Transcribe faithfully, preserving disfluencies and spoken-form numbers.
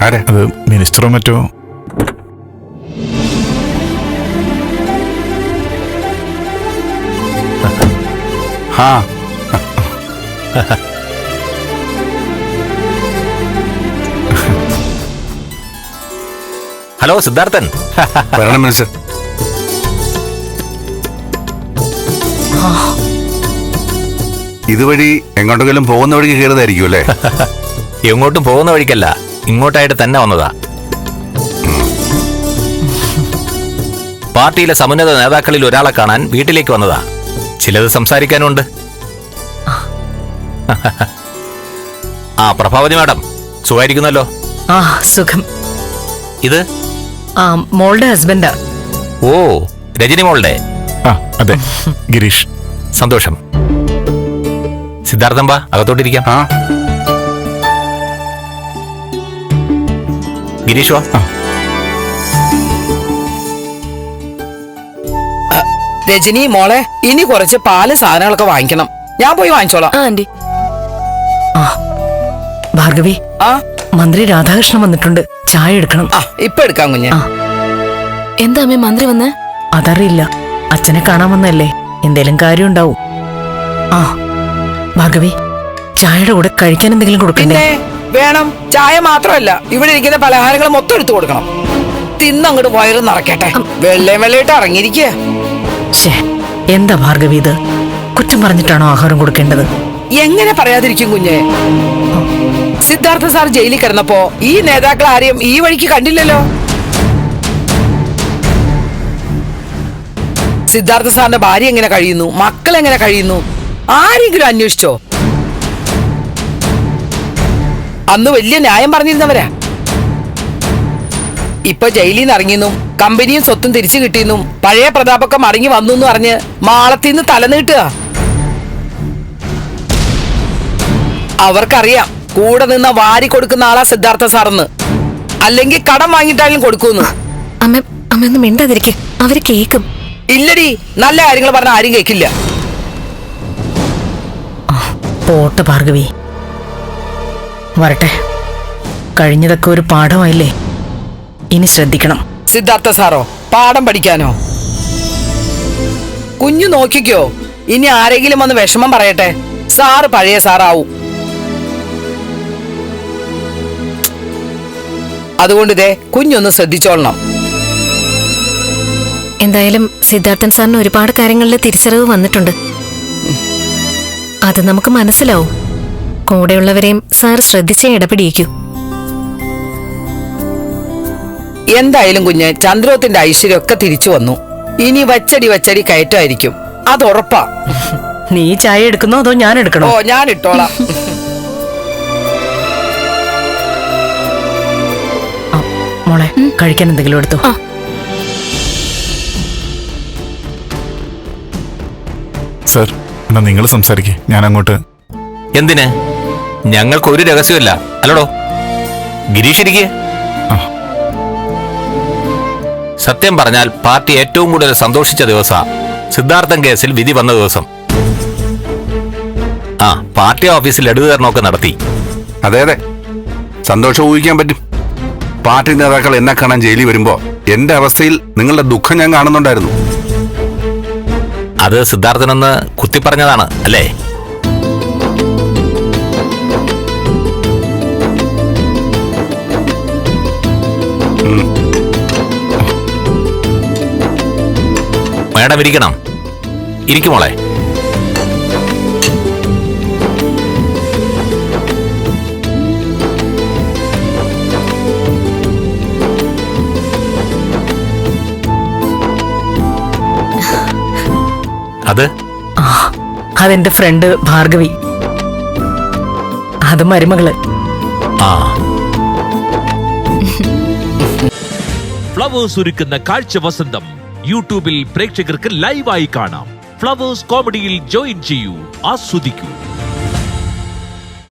ആരെ? അത് മിനിസ്റ്ററോ മറ്റോ. ഹാ ഹലോ സിദ്ധാർത്ഥൻ. വരണം മിനിസ്റ്റർ. ഇതുവഴി എങ്ങോട്ടെങ്കിലും പോകുന്ന വഴിക്ക് കയറുന്നതായിരിക്കും അല്ലേ? എങ്ങോട്ടും പോകുന്ന വഴിക്കല്ല, ഇങ്ങോട്ടായിട്ട് തന്നെ വന്നതാ. പാർട്ടിയിലെ സമുന്നത നേതാക്കളിൽ ഒരാളെ കാണാൻ വീട്ടിലേക്ക് വന്നതാ. ചിലത് സംസാരിക്കാനുണ്ട്. ആ പ്രഭാവതി മാഡം സുഖായിരിക്കുന്നല്ലോ? ആ സുഖം. ഇത് ആ മോളുടെ ഹസ്ബൻഡാ. ഓ രജനി മോളുടെ. ആ അതെ, ഗിരീഷ്. സന്തോഷം. സിദ്ധാർത്ഥൻ ബാ, അകത്തോട്ടിരിക്കാം. ആ ഗിരീഷ് വാ. രജനി മോളെ, ഇനി കുറച്ച് പാല് സാധനങ്ങളൊക്കെ വാങ്ങിക്കണം. ഞാൻ പോയി വാങ്ങിച്ചോളാം. ആന്റി. ആ ഭാർഗവി, ആ മന്ത്രി രാധാകൃഷ്ണൻ വന്നിട്ടുണ്ട്. ചായ എടുക്കണം. ആ ഇപ്പൊ എടുക്കാം കുഞ്ഞെ. ആ. എന്താ അമ്മേ മന്ത്രി വന്നേ? അതറിയില്ല, അച്ഛനെ കാണാൻ വന്നല്ലേ, എന്തേലും കാര്യം ഉണ്ടാവും. ആ ഭാർഗവി, ചായയുടെ കൂടെ കഴിക്കാൻ എന്തെങ്കിലും കൊടുക്കണ്ടേ? പിന്നെ വേണം. ചായ മാത്രമല്ല, ഇവിടെ ഇരിക്കുന്ന പലഹാരങ്ങൾ മൊത്തം എടുത്തു കൊടുക്കണം. തിന്നങ്ങോട്ട് വയറ് നിറക്കട്ടെ. വെള്ളയും വെള്ളയിട്ട് ഇറങ്ങിയിരിക്കുക. ശേ, എന്താ ഭാർഗവി ഇത്? കുറ്റം പറഞ്ഞിട്ടാണോ ആഹാരം കൊടുക്കേണ്ടത്? എങ്ങനെ പറയാതിരിക്കും കുഞ്ഞെ? സിദ്ധാർത്ഥ സാർ ജയിലിൽ കിടന്നപ്പോ ഈ നേതാക്കൾ ആരെയും ഈ വഴിക്ക് കണ്ടില്ലല്ലോ. സിദ്ധാർത്ഥ സാറിന്റെ ഭാര്യ എങ്ങനെ കഴിയുന്നു, മക്കൾ എങ്ങനെ കഴിയുന്നു, ആരെങ്കിലും അന്വേഷിച്ചോ? അന്ന് വലിയ ന്യായം പറഞ്ഞിരുന്നവരാ. ഇപ്പൊ ജയിലിൽ നിന്ന് ഇറങ്ങിയെന്നും കമ്പനിയും സ്വത്തും തിരിച്ചു കിട്ടിയെന്നും പഴയ പ്രതാപൊക്കെ മടങ്ങി വന്നു എന്ന് പറഞ്ഞ് മാളത്തിന്ന് തലനീട്ടുക. അവർക്കറിയാം കൂടെ നിന്ന് വാരി കൊടുക്കുന്ന ആളാ സിദ്ധാർത്ഥ സാറെന്ന്. അല്ലെങ്കിൽ കടം വാങ്ങിയിട്ടാലും കൊടുക്കൂന്ന്. അമ്മ അമ്മ ഒന്നും മിണ്ടാതിരിക്കെ, അവര് കേക്കും. ഇല്ലടി, നല്ല കാര്യങ്ങൾ പറഞ്ഞ ആരും കേൾക്കില്ല. പോട്ടെ ഭാർഗവി, വരട്ടെ. കഴിഞ്ഞതൊക്കെ ഒരു പാഠമായില്ലേ, ഇനി ശ്രദ്ധിക്കണം. സിദ്ധാർത്ഥ സാറോ പാഠം പഠിക്കാനോ? കുഞ്ഞു നോക്കിക്കോ, ഇനി ആരെങ്കിലും വന്ന് വിഷമം പറയട്ടെ, സാറ് പഴയ സാറാവും. അതുകൊണ്ട് ഇതേ കുഞ്ഞൊന്ന് ശ്രദ്ധിച്ചോളണം. എന്തായാലും സിദ്ധാർത്ഥൻ സാറിന് ഒരുപാട് കാര്യങ്ങളിൽ തിരിച്ചറിവ് വന്നിട്ടുണ്ട്. അത് നമുക്ക് മനസ്സിലാവും. കൂടെയുള്ളവരെയും സാർ ശ്രദ്ധിച്ചേ ഇടപെടിയിക്കൂ. എന്തായാലും കുഞ്ഞ്, ചന്ദ്രോത്തിന്റെ ഐശ്വര്യമൊക്കെ തിരിച്ചു വന്നു. ഇനി വച്ചടി വച്ചടി കയറ്റായിരിക്കും, അത് ഉറപ്പാ. നീ ചായ എടുക്കുന്നോ അതോ ഞാൻ എടുക്കണോ? ഓ ഞാൻ ഇട്ടോളാം. മോളെ, കഴിക്കാൻ എന്തെങ്കിലും എടുത്തോ. സർ, എന്നാ നിങ്ങൾ സംസാരിക്കേ, ഞാൻ അങ്ങോട്ട്. എന്തിന്? ഞങ്ങൾക്ക് ഒരു രഹസ്യമില്ല അല്ലടോ. ഗിരീഷ് ഇരിക്കേ. സത്യം പറഞ്ഞാൽ പാർട്ടി ഏറ്റവും കൂടുതൽ സന്തോഷിച്ച ദിവസ സിദ്ധാർത്ഥൻ കേസിൽ വിധി വന്ന ദിവസം. ആ പാർട്ടി ഓഫീസിൽ ലഡുകരണമൊക്കെ നടത്തി. അതെ അതെ, സന്തോഷം ഊഹിക്കാൻ പറ്റും. പാർട്ടി നേതാക്കൾ എന്നെ കാണാൻ ജയിലിൽ വരുമ്പോ എന്റെ അവസ്ഥയിൽ നിങ്ങളുടെ ദുഃഖം ഞാൻ കാണുന്നുണ്ടായിരുന്നു. അത് സിദ്ധാർത്ഥനെന്ന് കുത്തിപ്പറഞ്ഞതാണ് അല്ലേ? മേഡം ഇരിക്കണം. ഇരിക്കുമോളെ. അത് അതെന്റെ ഫ്രണ്ട് ഭാർഗവി, അത് മരുമകള്. ആ ഫ്ലവേഴ്സ് ഒരുക്കുന്ന കാഴ്ച വസന്തം യൂട്യൂബിൽ പ്രേക്ഷകർക്ക് ലൈവായി കാണാം. ഫ്ലവേഴ്സ് കോമഡിയിൽ ജോയിൻ ചെയ്യൂ, ആസ്വദിക്കൂ.